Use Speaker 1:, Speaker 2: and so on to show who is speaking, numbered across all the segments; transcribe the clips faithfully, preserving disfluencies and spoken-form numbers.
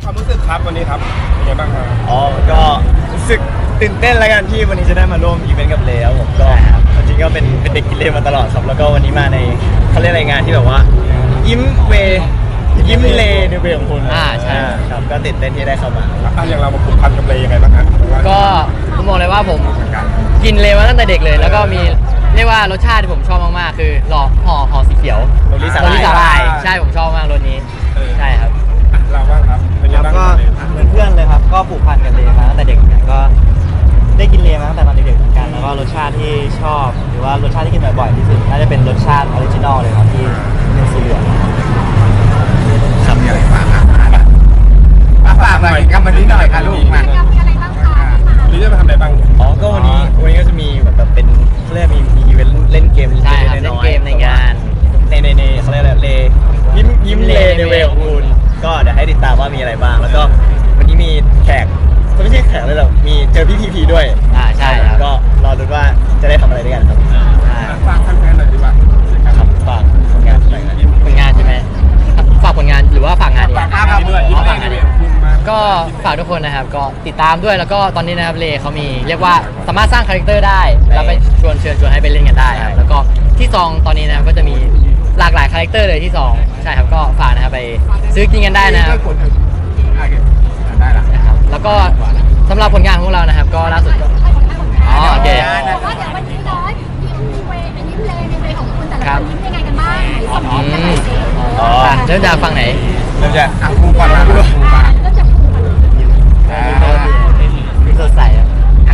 Speaker 1: ความรู้สึกครับวันนี้ครับเป็นไงบ้างครับ
Speaker 2: อ๋อก็รู้สึกตื่นเต้นแล้วกันที่วันนี้จะได้มาร่วมอีเวนต์กับเลครับผมก็จริงก็เป็นเป็นเด็กกินเลมาตลอดครับแล้วก็วันนี้มาในเขาเรียกอะไรงานที่แบบว่ายิ้มเวยิ้มเลในเวของคุณ
Speaker 3: อ่าใช่
Speaker 2: ครับก็ตื่นเต้นที่ได้เข้ามา
Speaker 1: อ่ะอย่างเรามาผูกพันกับเลยังไงบ้างครับ
Speaker 3: ก็ผมบอกเลยว่าผมกินเลมาตั้งแต่เด็กเลยแล้วก็มีเรียกว่ารสชาติที่ผมชอบมากๆคือหล่อห่อห่อสีเขียว
Speaker 2: โรลิสา
Speaker 3: ลายใช่ผมชอบมากรสนี้ใช่ครับ
Speaker 1: เราบ้างครับเป็นยังไงบ้าง
Speaker 4: ก็เหมือนเพื่อนเลยครับก็ผูกพันกับเลมาตั้งแต่เด็กเหมือนกันก็ได้กินเลมาตั้งแต่ตอนเด็กๆเหมือนกันแล้วก็รสชาติที่ชอบหรือว่ารสชาติที่กินบ่อยๆที่สุดน่าจะเป็นรสชาติออริจินอลเลยครับที่เป็นสีเหลือง
Speaker 1: ทำอย่างไรฝากอ่ะฝากหน่อยกับวันนี้หน่อยค่ะลูกมาวันนี้จะมาทำอะไรบ้าง
Speaker 2: อ๋อก็วันนี้วันนี้ก็จะมีแบบเป็นเขาเรียกมีมีอีเวนต์เล่นเกม
Speaker 3: ใช่ครับเล่นเกมในงาน
Speaker 2: ในในในเขาเรียกอะไรเลยิ้มยิ้มเลในเวของคุณก็เดี๋ยวให้ติดตามว่ามีอะไรบ้างแล้วก็วันนี้มีแขกไม่ใช่แขกเลยหรอกมีเจอพี่พีพีด้วย
Speaker 3: อ่าใช่ครับ
Speaker 2: ก็รอดูว่าจะได้ทำอะไรด้วยกันครับ
Speaker 1: ฝากแฟนๆหน่อยดีกว่า
Speaker 2: ครับฝากผลงานหน่อยนะ
Speaker 3: ผลงานใช่ไหมฝากผลงานหรือว่าฝากงานดี
Speaker 1: ฝากงานด้วยฝากงานด้วย
Speaker 3: ก็ฝากทุกคนนะครับก็ติดตามด้วยแล้วก็ตอนนี้นะครับเลเขามีเรียกว่าสามารถสร้างคาแรคเตอร์ได้แล้วไปชวนเชิญชวนให้ไปเล่นกันได้ครับแล้วก็ที่ซองตอนนี้นะครับก็จะมีหลากหลายคาแรคเตอร์เลยที่ซองใช่ครับก็ฝากนะครับไปซื้อกินกันได้นะครับ
Speaker 1: ได้ละ
Speaker 3: นะครับแล้วก็สำหรับผลงานของเรานะครับก็ล่าสุดก็อ๋อโอเค
Speaker 5: ว่าเดี๋ยววันนี้เนาะยิ้มเวยิ้มเลในเวของคุณแต่ละคนยิ้มยังไงกันบ้างสมมติกันหน่อยสิ
Speaker 3: อ๋อเริ่มจากฝั่งไหน
Speaker 2: เริ่มจาก
Speaker 1: อ่ะภูก่อนนะภูก่อน
Speaker 5: เริ่มจากภูก่อน
Speaker 3: อ่าสดใสอ่ะ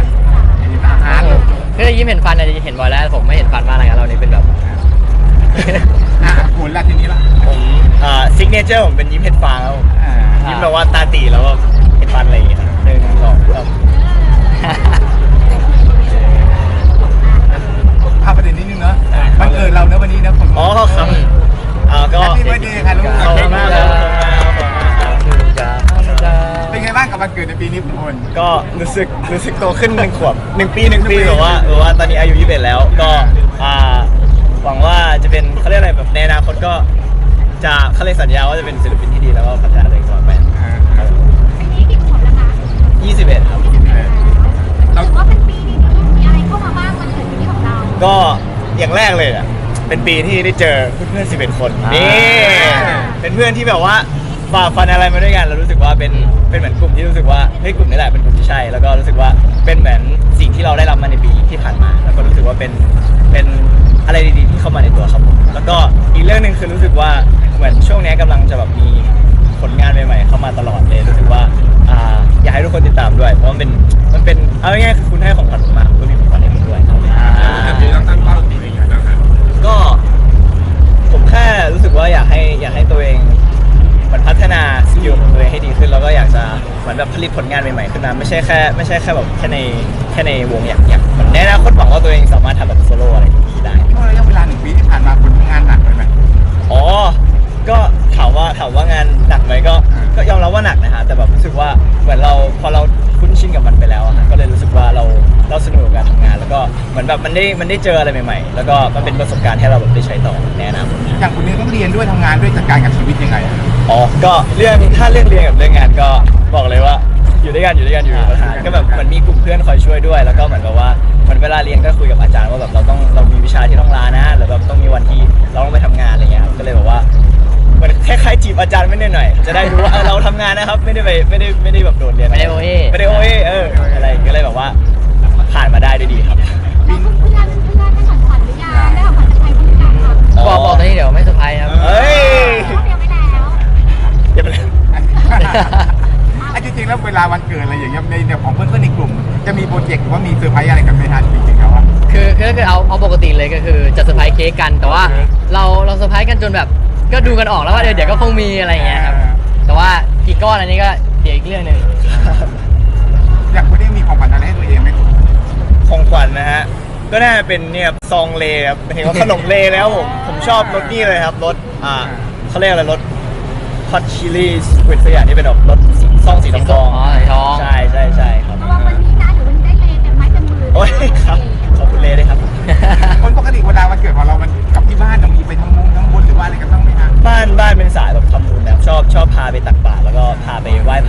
Speaker 3: คือยิ้มเห็นฟันอะไรเห็นบ่อยแล้วผมไม่เห็นฟันมากอะไรกันเรานี่เป็นแบบ
Speaker 1: อ่ะภูละทีนี้ละ
Speaker 2: ผมอ่าซิกเนเจอร์ผมเป็นยิ้มเห็ดฟางแล้วยิ้มแบบว่าตาตีแล้วก็เห็ดฟันอะไรอย่างเงี้ยหนึ่งสองสาม
Speaker 1: พาประเด็นนิดนึงเนาะวันเกิดเราเนอะวันนี้นะคน
Speaker 2: อ๋อครับอ่าก็
Speaker 1: แฮปปี้เบิร์ธเดย์ค่ะลูก
Speaker 2: ขอบคุณมากครับ
Speaker 1: เป็นไงบ้างกับวันเกิดในปีนี้ทุกคน
Speaker 2: ก็รู้สึกรู้สึกโตขึ้นหนึ่งขวบหนึ่งปีหนึ่งปีแบบว่าแบบว่าตอนนี้อายุยี่สิบเอ็ดแล้วก็อ่าหวังว่าจะเป็นเขาเรียกอะไรแบบในอนาคตก็จะเขาเรียกสัญญาว่าจะเป็นศิลปินที่ดีแล้วก็พัฒนาตัวเองต่อไป
Speaker 5: ปีนี้กี่ขวบแล้วคะ
Speaker 2: ยี่สิบเอ็ดครับ
Speaker 5: เราถือว่าเป็นปีนี้มีอะไรเข้ามาบ้างวันเกิดปีนี้ของเรา
Speaker 2: ก็อย่างแรกเลยอ่ะเป็นปีที่ได้เจอเพื่อนๆสิบเอ็ดคนนี่เป็นเพื่อนที่แบบว่าฝ่าฟันอะไรมาด้วยกันแล้วรู้สึกว่าเป็นเป็นเหมือนกลุ่มที่รู้สึกว่าเฮ้ยกลุ่มนี้แหละเป็นกลุ่มที่ใช่แล้วก็รู้สึกว่าเป็นเหมือนสิ่งที่เราได้รับมาในปีที่ผ่านมาแล้วก็รู้สึกว่าเป็นเป็นอะไรดีๆที่เข้ามาในตัวครับผมแล้วก็อีกเรื่องหนึ่งคือรู้สึกว่าเหมือนช่วงนี้กำลังจะแบบมีผลงานใหม่ๆเข้ามาตลอดเลยรู้สึกว่าอ่าอยากให้ทุกคนติดตามด้วยเพราะมันเป็นมันเป็นเอาง่ายๆคือคุณให้ของขวัญผมมาคุณก็มีของขวัญให้ผมด้วย
Speaker 1: แต่ปีเราตั้งเป้าตัวเองอย่างไรบ้าง
Speaker 2: ก็ผมแค่รู้สึกว่าอยากให้อยากให้ตัวเองมันพัฒนาสกิลของตัวเองให้ดีขึ้นแล้วก็อยากจะเหมือนแบบผลิตผลงานใหม่ๆขึ้นมาไม่ใช่แค่ไม่ใช่แค่แบบแค่ในแค่ในวงอยากอยากในอนาคตหวังว่าตัวเองสามารถทำแบบโซโล่อะไรอย่างนี้ได้
Speaker 1: ช่วงระยะเวลาหนึ่งปีที่ผ่านมาคุณทำงานหนักเลยไหม
Speaker 2: อ๋อก็ถามว่าถามว่างานหนักไหมก็ก็ยอมรับว่าหนักนะฮะแต่แบบรู้สึกว่าเหมือนเราพอเราคุ้นชินกับมันไปแล้วก็เลยรู้สึกว่าเราเราสนุกกับการทำงานแล้วก็เหมือนแบบมันได้มันได้เจออะไรใหม่ๆแล้วก็มันเป็นประสบการณ์ให้เราแบบได้ใช้ต่อในอนาคต
Speaker 1: อย่างคุณนี่ต้องเรียนด้วยทำงานด้วยจัดการกับชีวิตยังไง
Speaker 2: อ๋อก็เรื่องถ้าเรื่องเรียนกับเรื่องงานก็บอกเลยว่าอยู่ด้วยกันอยู่ด้วยกันอยู่ประธานก็แบบมันมีกลุ่มเพื่อนคอยช่วยด้วยแล้วก็เหมือนกับว่าเหมือนเวลาเรียนก็คุยกับอาจารย์ว่าแบบเราต้องเรามีวิชาที่ต้องลานะหรือแบบต้องมีวันที่เราต้องไปทำงานอะไรเงี้ยก็เลยแบบว่าเหมือนคล้ายๆจีบอาจารย์ไม่ได้หน่อยจะได้รู้ว่าเราทำงานนะครับไม่ได้ไปไม่ได้ไม่ได้แบบโดดเรียน
Speaker 3: ไม่ได้โอเอ
Speaker 2: ไม่ได้โอเอเอออะไรก็เลยแบบว่าผ่านมาได้ด้วยดีครับ
Speaker 5: แล้วเพื่อนเพื่อนได้ของขวัญหรือยังได้ของขวัญจากใครบ้างยังคะ
Speaker 3: บอกบอกตอนนี้เดี๋ยวไม่เซอร์ไพรส์ครับ
Speaker 2: เฮ้ย
Speaker 5: เตรียมไว้แล้ว
Speaker 2: เตรียมไว้แล้ว
Speaker 1: ไอ้จริงๆแล้วเวลาวันเกิดอะไรอย่างเงี้ยในเดี๋ยวของเพื่อนๆในกลุ่มจะมีโปรเจกต์หรือว่ามีเซอร์ไพรส์อะไรกันไหมทันจริงๆแล้วอ่ะ
Speaker 3: คือคือคือเอาเอาปกติเลยก็คือจะเซอร์ไพรส์เค้กกันแต่ว่าเราเราเซอร์ไพรส์กันจนแบบก็ดูกันออกแล้วว่าเดี๋ยวเดี๋ยวก็คงมีอะไรอย่างเงี้ยครับแต่ว่ากี่ก้อนอันนี้ก็เดี๋ยวอีกเรื่องหนึ่ง
Speaker 1: อยากคุณได้มีของขวัญอะไรให้ตัวเองไหม
Speaker 2: ของขวัญนะฮะก็น่าจะเป็นเนี่ยซองเลครับเห็นว่าขนมเลแล้วผมผมชอบรสนี่เลยครับรสอ่าเขาเรียกอะไรรสฮอตชิลลี่สควิดสักอย่างที่เป็นแบบรสซองสีทอง
Speaker 3: อ๋อสีทอง
Speaker 2: ใช่ใช่ใช่ครับ
Speaker 5: เพราะว่าวันนี้นะเดี๋ยววันนี้ได้เลเต็มไม้เต็มมือ
Speaker 2: โอ้ยครับขอบคุณเลด้วยครับ
Speaker 1: คนปกติเวลาวันเกิดของเรามันกับที่บ้านเรามีไปทำบุญทำบุญหรือว่าอะไรกันต้องไหมฮะ
Speaker 2: บ้านบ้านเป็นสายแบบทำบุญนะชอบชอบพาไปตักบาตรแล้วก็พาไปไหว้พ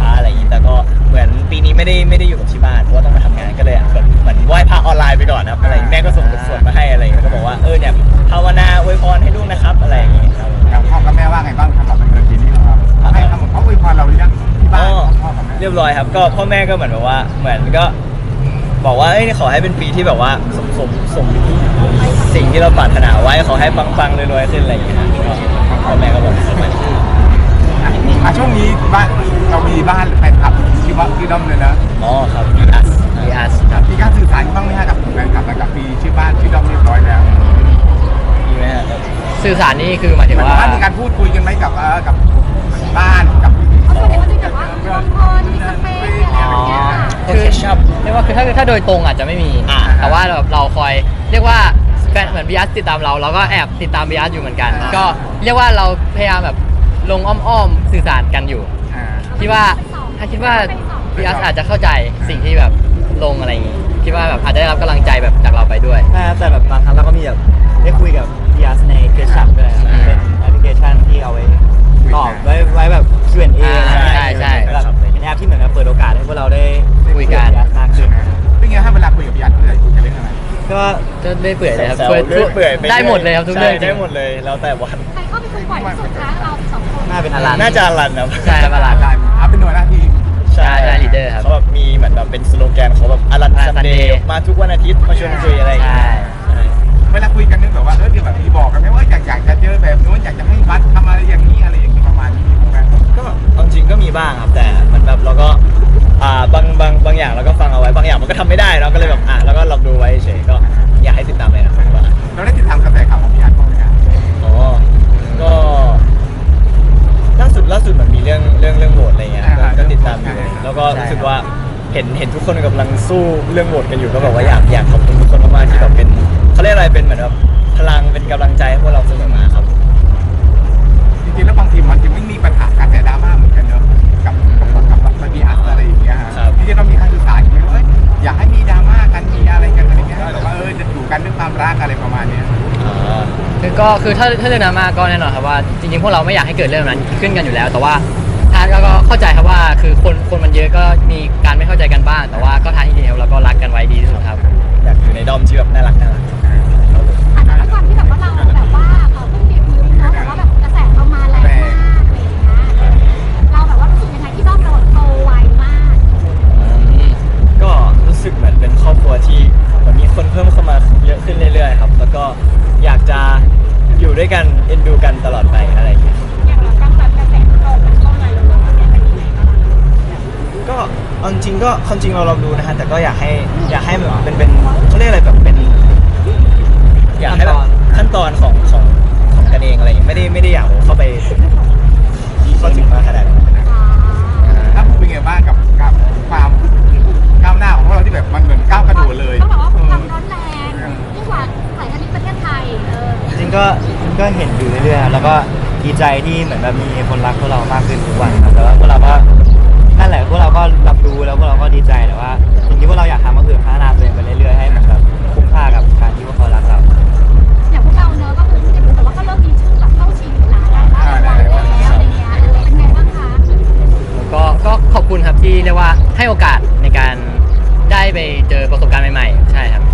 Speaker 2: ยบร้อยครับก็พ่อแม่ก็เหมือนแบบว่าเหมือนก็บอกว่าเอ้ยขอให้เป็นปีที่แบบว่าสมสมสมสิ่งที่เราปรารถนาไว้ขอให้ปังๆรวยๆขึ้นอะไรอย่างเงี้ยก็พ่อแม่ก็บอกแบบนั้น
Speaker 1: อ่ะช่วงนี้บ้านเรามีบ้านแฟนคลับที่ว่าที่ด้อมเลยนะ
Speaker 2: อ๋อครับพีอัส
Speaker 3: พีอาร์ครับ
Speaker 1: มีการสื่อสารบ้างไหมฮะกับแฟนคลับกับปีชื่อบ้านชื่อด้อมเรียบร้อยแล้ว
Speaker 2: มีไหมฮะ
Speaker 3: สื่อสารนี่คือหมายถึง
Speaker 1: หมาย
Speaker 3: ว่า
Speaker 1: ถึงว่ามีการพูดคุยกันไหมกับเอ่อกับบ้านกับ
Speaker 5: เขาบอกว่าจะแบบว่ามีคนคนมีสเปซมีอะไรแบบเนี้ยค่ะ
Speaker 3: คือเรียกว่าคือถ้าถ้าโดยตรงอาจจะไม่มี
Speaker 2: อ่า
Speaker 3: แต่ว่าแบบเราคอยเรียกว่าแฟนเหมือนบีอาร์ติดตามเราเราก็แอบติดตามบีอาร์อยู่เหมือนกัน ก็เรียกว่าเราพยายามแบบลงอ้อมๆสื่อสารกันอยู่
Speaker 1: อ่า
Speaker 3: คิดว่าถ้าคิดว่าบีอาร์อาจจะเข้าใจสิ่งที่แบบลงอะไรอย่างงี้คิดว่าแบบอาจจะได้รับกำลังใจแบบจากเราไปด้วย
Speaker 4: ใช่ครับแต่แบบบางครั้งเราก็มีแบบได้คุยกับพีอาร์ในเคชัพด้วยครับ
Speaker 3: อืม
Speaker 4: เป็นแอปพลิเคชันที่เอาไว้ตอบไว้ไว้แบบ คิว แอนด์ เอ
Speaker 3: อ่าใช่ใช่
Speaker 4: แบบเป็นแอปที่เหมือนกับเปิดโอกาสให้พวกเราได้
Speaker 3: คุยกัน
Speaker 4: บ พี อาร์ มากขึ้น
Speaker 1: เป็นไงฮะเวลาคุยกับพี่อัดคุยกันเรื่องอะไร
Speaker 4: ก็
Speaker 3: ก็ได้เปื่อยเลยครับ
Speaker 2: แซว
Speaker 3: ช่วย
Speaker 2: ๆเรื่อยเปื่อยป
Speaker 3: ได้หมดเลยครับทุกเรื่องจ
Speaker 2: ใช่
Speaker 3: ริ
Speaker 2: ได้
Speaker 3: ง
Speaker 2: หมดเลยแล้วแต่วัน
Speaker 5: ใครเข้าไปคุยบ่อยที่สุดคะเราสองคน
Speaker 4: น่าเป็นอลัน
Speaker 2: น่าจะอลันครับ
Speaker 3: ใช่ครับอลัน
Speaker 1: ได้เอาเป็นหน่วยหน้าที่
Speaker 2: ใช่
Speaker 3: ใช่ leader ครับ
Speaker 2: เขาแบบมีเหมือนแบบเป็นสโลแกนเขาแบบอลัน
Speaker 3: อลัน
Speaker 2: ซัน
Speaker 3: Sunday
Speaker 2: เดย์มาทุกวันอาทิตย์มาชวนคุยอะไรอย่างเงี้ย
Speaker 3: ใช่
Speaker 2: ใช่
Speaker 1: เวลาคุยกันนึกแบบว่าเออเดี๋ยวแบบมีบอกกันไหมว่าอยากอยากจะเจอแบบนู้นอยากจะให้บัสทำอะไรอย่างนี้อะไรอย่างนี้ประมาณนี้มีไหม
Speaker 2: ก็เอาจริงก็มีบ้างครับแต่เหมันแบบเราก็อ่าบางบางบางอย่างเราก็ฟังเอาไว้บางอย่างมันก็ทำไม่ได้เราก็เลยแบบอ่ะแล้วก็ลองดูไว้เฉยก็อยากให้ติดตามเลยนะครับว่า
Speaker 1: เราได้ติดตามกระแสข่าวของพี่อัดบ้างไหมครับ
Speaker 2: อ๋อก็ล่าสุดล่าสุดมันมีเรื่องเรื่องเรื่องโหวตอะไรเงี้ยก็ก็ติดตามอยู่แล้วก็รู้สึกว่าเห็นเห็นทุกคนกำลังสู้เรื่องโหวตกันอยู่ก็แบบว่าอยากอยากขอบคุณทุกคนมากๆที่แบบเป็นเขาเรียกอะไรเป็นเหมือนแบบพลังเป็นกำลังใจให้พวกเราเสมอมาครับ
Speaker 1: จริงๆแล้วบางทีมันจะไม่มีปัญหาการแต่ดราม่าเหมือนกันเนอะกับกับกับกับพี่อัดอะไรอย่างเงี้ยฮะที่จะต้องมีการสื่อสารอย่างเงี้ยว่าอยากให้มีดราม่ากันมีอะไรกันอะไรเงี้ยแต่ว่าเออจะอยู่กันด้วยความรักอะไรประมาณเนี้ย
Speaker 2: อ่า
Speaker 3: คือก็คือถ้าถ้าเรื่องนั้นมาก็แน่นอนครับว่าจริงๆพวกเราไม่อยากให้เกิดเรื่องนั้นขึ้นกันอยู่แล้ว แต่ว่าทางก็เข้าใจครับว่าคือคนคนมันเยอะก็มีการไม่เข้าใจกันบ้าง แต่ว่าก็ทางที่ดีครับเราก็รักกันไว้ดีที่สุดครับ
Speaker 2: อยากอยู่ในดอมที่แบบน่ารักน่ารักครับผม
Speaker 5: อาจจะด้วยความที่แบบว่าเราแบบว่าเออเพิ่งเดบิวต์เนาะแต่ว่าแบบกระแสเรามาแรงมากอะไรอย่างเงี้ยเราแบบว่ารู้สึกยังไงที่ด้อมเราโตไวมาก
Speaker 2: ก็รู้สึกเหมือนเป็นครอบครัวที่เหมือนมีคนเพิ่มเข้ามาเยอะขึ้นเรื่อยๆครับแล้วก็อยากจะอยู่ด้วยกันเอ็นดูกันตลอดไปอะไรอย่างเงี้ย
Speaker 5: อย่างเราตั้งแต่กระแสเราเป็นช่องอะไรเราเนี่ยเป็นยังไงบ้าง
Speaker 2: ก็เอาจริงๆก็ความจริงเราลองดูนะฮะแต่ก็อยากให้อยากให้แบบเป็นเป็นเขาเรียกอะไรแบบเป็น อยากให้แบบขั้นตอนของของของกันเองอะไรอย่างเงี้ยไม่ได้ไม่ได้อยากเข้าไปเข้าถึงมากขนาดนั้น
Speaker 1: ถ้าเป็นไงบ้างกับกับความก้าวหน้าของพวกเราที่แบบมันเหมือนก้าวกระโดดเลย
Speaker 5: ต้องบอกว่าความร้อนแรงยิ่งกว่าสายการบินประเทศไทยเออ
Speaker 4: จริงๆก็ก็เห็นอยู่เรื่อยๆครับแล้วก็ดีใจที่เหมือนแบบมีคนรักพวกเรามากขึ้นทุกวันครับแต่ว่าพวกเราก็นั่นแหละพวกเราก็รับรู้แล้วพวกเราก็ดีใจแต่ว่าสิ่งที่พวกเราอยากทำก็คือพัฒนาตัวเองไปเรื่อยๆให้มันแบบคุ้มค่ากับการที่พวกเขารักเรา
Speaker 5: อย่างพวกเราเนอะก็คือที่แต่ว่าก็เริ่มมีชื่อแบบเข้าชิงนะได้รางวัลแล้วอะไรเงี้ยเป็นไงบ้างคะ
Speaker 3: ก็ก็ขอบคุณครับที่เรียกว่าให้โอกาสในการได้ไปเจอประสบการณ์ใหม่ๆ ใช่ครับ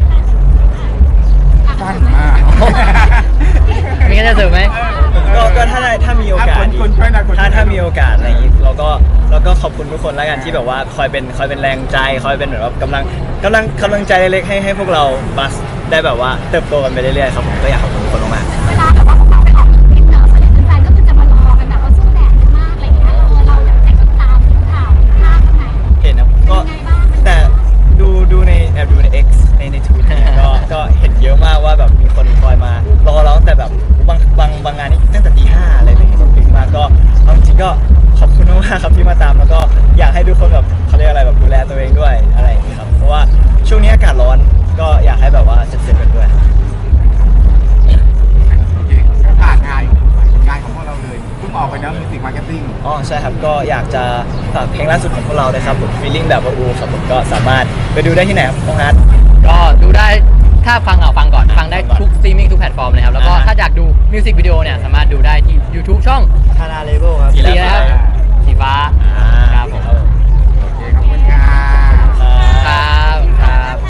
Speaker 1: สั้นมาก
Speaker 3: มีกันจะเสริมไหม
Speaker 2: ก็ก็ถ้าได้ถ้ามีโอกาส
Speaker 1: คุณคุณช่วยหน่อยคุณช่วยหน่
Speaker 2: ถ้า
Speaker 1: อย
Speaker 2: ถ้ามีโอกาสอะไรอย่างงี้เราก็เราก็ขอบคุณทุกคนแล้วกันที่แบบว่าคอยเป็นคอยเป็นแรงใจคอยเป็นเหมือนแบบกำลังกำลังกำลังใจเล็กๆให้ให้พวกเราบัสได้แบบว่าเติบโตกันไปเรื่อยๆครับผมก็อยากขอบคุณทุกคนมาก
Speaker 5: เวลาแบบว่าพวกเราไปออกทริปเนอะส่วนใหญ่แฟนๆก็คือจะมารอกันแบบว่าสู้แดดมากอะไรเงี้ยเออเราอยากจะติดตามข่าวภาพข้างใน
Speaker 2: ๆเห็นนะก็
Speaker 5: เป็นยังไงบ้าง
Speaker 2: แต่ดูดูในแอบดูใน X ในในทวิตเนี่ยก็ก็เห็นเยอะมากว่าแบบมีคนคอยมารอเราตั้งแต่แบบบางบางบางงานนี่ตั้งแต่ตีห้าอะไรอย่างเงี้ยปิดมากก็เอาจริงๆก็ขอบคุณมากๆครับที่มาตามแล้วก็อยากให้ทุกคนแบบเขาเรียกอะไรแบบดูแลตัวเองด้วยอะไรอย่างเงี้ยครับเพราะว่าช่วงนี้อากาศร้อนก็อยากให้แบบว่าเซฟๆกันด้วย
Speaker 1: โอเคผ่านงานผลงานของพวกเราเลยเพิ่งออกไปนะมิวสิกมาร์เก็ตติ้ง
Speaker 2: อ๋อใช่ครับก็อยากจะฝากเพลงล่าสุดของพวกเราเลยครับผม feeling แบบว่าอูครับผมก็สามารถไปดูได้ที่ไหนครับน้องฮัท
Speaker 3: ก็ดูได้ถ้าฟังเอาฟังก่อน
Speaker 2: อ่ะ
Speaker 3: ฟังได้
Speaker 2: ฟังก่อน
Speaker 3: ทุกสตรีมมิ่งทุกแพลตฟอร์มเลยครับ แล้วก็
Speaker 2: อ่า
Speaker 3: ถ้าอยากดูมิวสิกวิดีโอเนี่ย สามารถดูได้ที่ YouTube ช่อง
Speaker 4: ทาราเลเวลครับ
Speaker 2: อี
Speaker 3: ดีนะครับ